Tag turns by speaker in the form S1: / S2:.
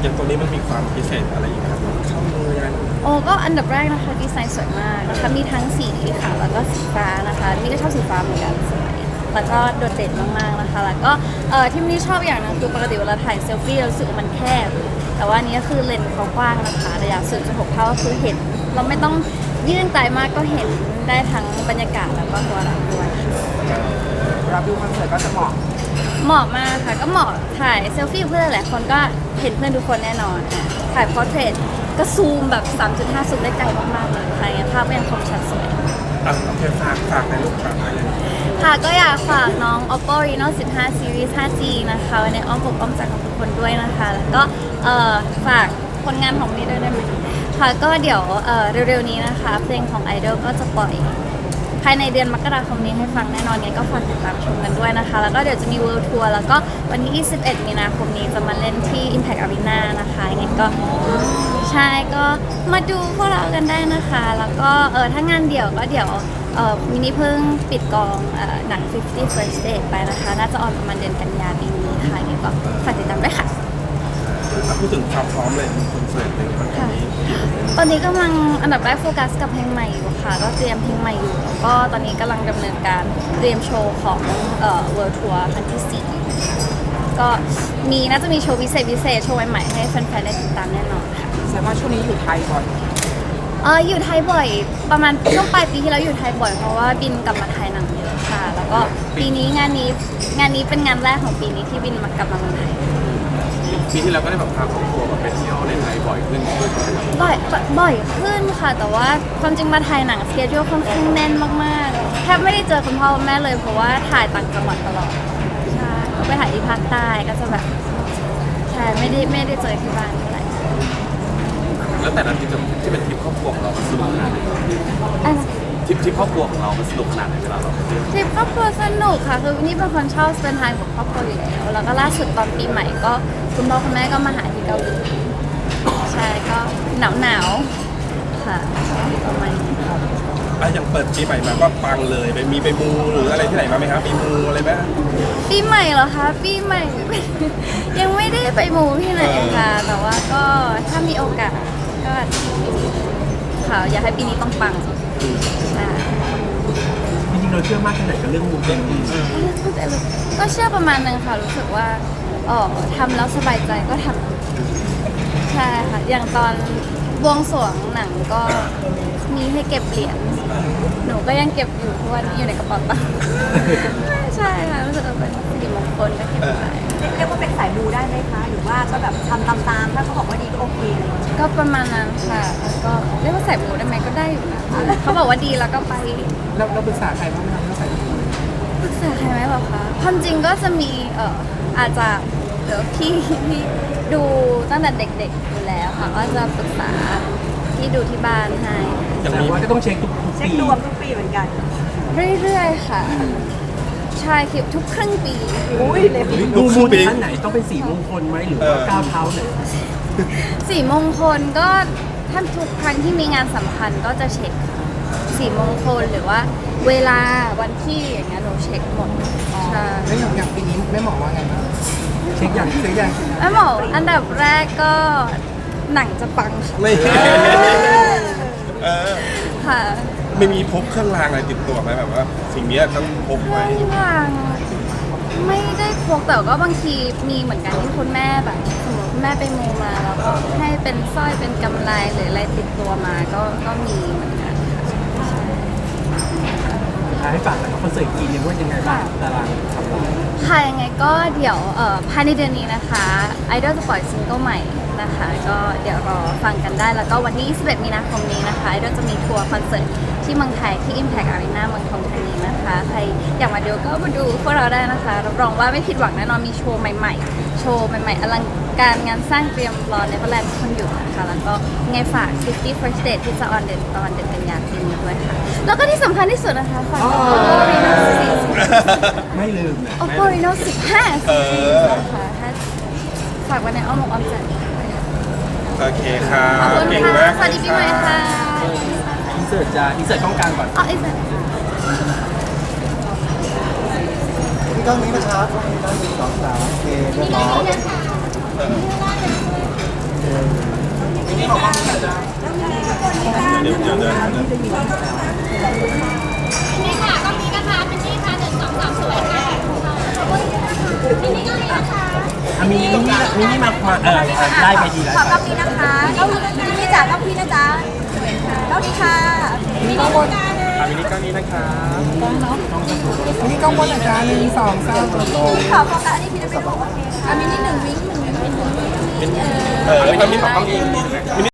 S1: อย่างตัวนี้มันมีความพิเศษอะไรอีกครับข้อมือยังไง
S2: โอ้ก็อันดับแรกนะคะดีไซน์สวยมากนะคะมีทั้งสีค่ะแล้วก็สีฟ้านะคะนี่ก็ชอบสีฟ้าเหมือนกันสวยแล้วก็โดดเด่นมากๆนะคะแล้วก็ที่นี่ชอบอย่างหนึงคือปกติเวลาถ่ายเซลฟี่เรารู้สึกว่ามันแคบแต่ว่าอันนี้ก็คือเลนส์เขากว้างนะคะระยะ0.6 เท่าก็คือเห็นเราไม่ต้องยื่นไกลมากก็เห็นได้ทั้งบรรยากาศแล้วก็ตัวเราด้วย
S3: เราดูคอนเสิร์ตก็จะเหมาะ
S2: เหมาะมากค่ะก็เหมาะถ่ายเซลฟี่กับเพื่อนหลายคนก็เห็นเพื่อนทุกคนแน่นอนถ่ายพอร์เทรตก็ซูมแบบ 3.5 ซูมได้ไกลมากๆเลยค่ะอย่างภาพก็ยังคมชัดสวย
S1: โอเคฝากในลูกฝากอะไรเลย
S2: ค่ะก็อยากฝากน้อง Oppo Reno 15 Series 5G นะคะไว้ในอ้อมอกอ้อมใจของทุกคนด้วยนะคะแล้วก็ฝากผลงานของนี่ด้วยได้ไหมค่ะก็เดี๋ยวเร็วๆนี้นะคะเพลงของ Idol ก็จะปล่อยภายในเดือนมกราคมนี้ให้ฟังแน่นอนเนี่ยก็ฝากติดตามชมกันด้วยนะคะแล้วก็เดี๋ยวจะมี World Tour แล้วก็วันที่ 21 มีนาคมนี้จะมาเล่นที่ Impact Arena นะคะยังไงก็ใช่ก็มาดูพวกเรากันได้นะคะแล้วก็ถ้างานเดี่ยวก็เดี๋ยวมินิเพิ่งปิดกองหนัง 50 First Date ไปนะคะน่าจะออนประมาณเดือนกันยายนปีนี้ค่ะยังไงก็ฝากติดตามด้วยค่ะ
S1: พูดถึงความพร้อมเลยคอนเสิร์ตในครั้ง
S2: ค่ะ
S1: นี้
S2: ตอนนี้กำลังอันดับแรกโฟกัสกับเพลงใหม่อยู่ค่ะก็เตรียมเพลงใหม่อยู่แล้วก็ตอนนี้กำลังดำเนินการเตรียมโชว์ของWorld Tour ครั้งที่ 4ก็น่าจะมีโชว์พิเศษโชว์ใหม่ๆให้แฟนๆได้ติดตามแน่นอนค่ะ
S3: แสดงว่าช่วงนี้อยู่ไทยก่อน
S2: อยู่ไทยบ่อยประมาณช่วงปลายปีที่แล้วอยู่ไทยบ่อยเพราะว่าบินกลับมาถ่ายหนังเยอะค่ะ แล้วก็ปีนี้งานนี้เป็นงานแรกของปีนี้ที่บินกลับมาเมืองไทย
S1: ปีที่แล้วก็ได้แบบพาครอบครัวไปเที่ยวในไทยบ่อยขึ้นด้วยใช่ไหมครับ
S2: บ่อยขึ้นค่ะ แต่ว่าความจริงมาถ่ายหนังสเกจค่อนข้างแน่นมากๆแทบไม่ได้เจอคุณพ่อคุณแม่เลยเพราะว่าถ่ายต่างจังหวัดตลอดใช่ก็ไปถ่ายที่ภาคใต้ก็จะแบบใช่ไม่ได้เจอที่บ้านเท่าไหร่
S1: แล้วแต่ละทริปที่เป็นทริปครอบครัวของเรามันสนุกขนาดไหน
S2: อ่ะ
S1: ทริปครอบครัวของเรามันสนุกขนาดไหนเวลาเราไปเที่ยว
S2: ทริปครอบครัวสนุกค่ะคือนี่เป็นคนชอบสเปนไทม์กับครอบครัวอยู่แล้วแล้วก็ล่าสุดตอนปีใหม่ก็คุณพ่อคุณแม่ก็มาหาที่เกาหลีใช่ก็หนาวค่ะประมาณนี้
S1: อย่างเปิดปีใหม่มาก็ปังเลยไปมูหรืออะไรที่ไหนมาไหมครับมีมูอะไรไหม
S2: ปีใหม่เหรอคะปีใหม่ ยังไม่ได้ไปมูที่ไหนค่ะ แต่ว่าก็ถ้ามีโอกาสก็ค่ะอยากให้ปีนี้ต้องปังใช่
S3: จริงๆเราเชื่อมากแค่ไหนกับเรื่องมูเตลู
S2: ก็เชื่อประมาณนึงค่ะรู้สึกว่าทำแล้วสบายใจก็ทำใช่ค่ะอย่างตอนบวงสรวงหนังก็มีให้เก็บเหรียญหนูก็ยังเก็บอยู่เพราะว่าอยู่ในกระเป๋าตังค์ใช่ค่ะรู้สึกว่าเป็นสิริมงคลก็เก็บไว้
S4: เรียกว่าเป็นสายมูได้ไหมคะ หรือว่าก็แบบทำตามๆถ้าเขาบอกว่าดีก็โอเคอะไรอย่างเงี้ย
S2: ก็ประมาณนั้นค่ะแล้วก็เรียกว่าใส่หมูได้ไหมก็ได้อยู่นะเขาบอกว่าดีแล้วก็ไป
S3: เราปรึกษาใครบ้างไหมครับเราใส่มู
S2: ปรึกษาใครไหมหรอคะความจริงก็จะมีอาจจะเดี๋ยวพี่ดูตั้งแต่เด็กๆอยู่แล้วค่ะก็จะปรึกษาที่ดูที่บ้านให้
S1: อย่าง
S3: แต่
S1: มี
S3: ว่าจะต้องเช็คทุก
S4: เช็ค
S3: ปี
S4: ดวงทุกปีเหมือนกัน
S2: เรื่อยๆค่ะใช่คือทุกครึ่งปี
S4: อุ้ยเลย
S3: ดูมูถึงขั้นไหนต้องเป็นสีมงคลไหมหรือว่าก้าวเท้าไหน
S2: สีมงคลก็ถ้าทุกครั้งที่มีงานสำคัญก็จะเช็คค่ะสีมงคลหรือว่าเวลาวันที่อย่างเงี้ยหนูเช็คหมดใช่
S3: แล้วอย่างปีนี้แม่หมอว่าไงบ้างเช็คอย่างซื้ออย่าง
S2: แล้วหมออันดับแรกก็หนังจะปังค่ะ
S1: ไม่เออ
S2: ค่ะ
S1: ไม่มีพกเครื่องรางอะไรติดตัวไหมแบบว่า สิ่งนี้ต้องพก
S2: เค
S1: ไว้
S2: รื่องรางไม่ได้พกแต่ก็บางทีมีเหมือนกันที่คุณแม่แบบสมมติคุณแม่ไปมูมาแล้วก็ให้เป็นสร้อยเป็นกำไลหรืออะไรติดตัวมาก็มีเหมือนกันค่ะ
S3: ให้ฝากหน่อยครับคอนเสิร์ตกีนเนี่ยว่ายังไงบ้างตารางทำงาน
S2: ค่ะยังไงก็เดี๋ยวภายในเดือนนี้นะคะไอดอลจะปล่อยซิงเกิลใหม่นะคะก็เดี๋ยวรอฟังกันได้แล้วก็วันที่ 21 มีนาคมนี้นะคะไอดอลจะมีทัวร์คอนเสิร์ตที่เมืองไทยที่ Impact Arena เมืองทองธานีนะคะใครอยากมาดูก็มาดูพวกเราได้นะคะรับรองว่าไม่ผิดหวังแน่นอนมีโชว์ใหม่ๆโชว์ใหม่ๆอลังการงานสร้างเตรียมรอในพระแลนด์คนอยู่นะคะแล้วก็ยังไงฝาก 50 First Date ที่จะออนเดือนกันยายนปีนี้ด้วยค่ะแล้วก็ที่สำคัญที่สุดนะคะฝาก Oppo Reno 10
S3: ไม่ลืมนะ
S2: Oppo Reno 15
S1: เออ
S2: นะคะถ้าฝากไว้ในอ้อมอกอ้อมใจ
S1: โอเคค่ะ
S2: ขอบคุณ
S1: เก่ง
S2: ค่ะ
S1: มาก
S2: สวัสดีปีใหม่ค่ะ
S3: อินเสิร์ตกล้องกลางก่อน
S2: อ๋ออีกสัก
S5: พี่กล้องนี้นะครับกล้องนี้นะ1 2 3โอเคเรียบร้อย
S1: เดี๋ยว
S6: นี่ค่ะก็มีนะคะเป็นนี่ค่ะ1 2 3สวยค่ะมินี่ก็มีนะคะ
S3: มินี่มาได้ไปดีแล้ว
S4: ขอกล้องนี้นะคะกล้องนี้พี่จ๋ากล้องพี่นะจ๊ะกล้องนี้ค่ะมีข้างบน
S1: มินิก้อนนี้นะครับ
S3: มินี่กล้องบนอาจารย์1 2 3
S4: พี่ขอโฟกัสอันนี้พี่จะเป็นโอเคมินิ1 วิ้ง1 วิ้ง
S1: มินิขอกล้องนี้มินิ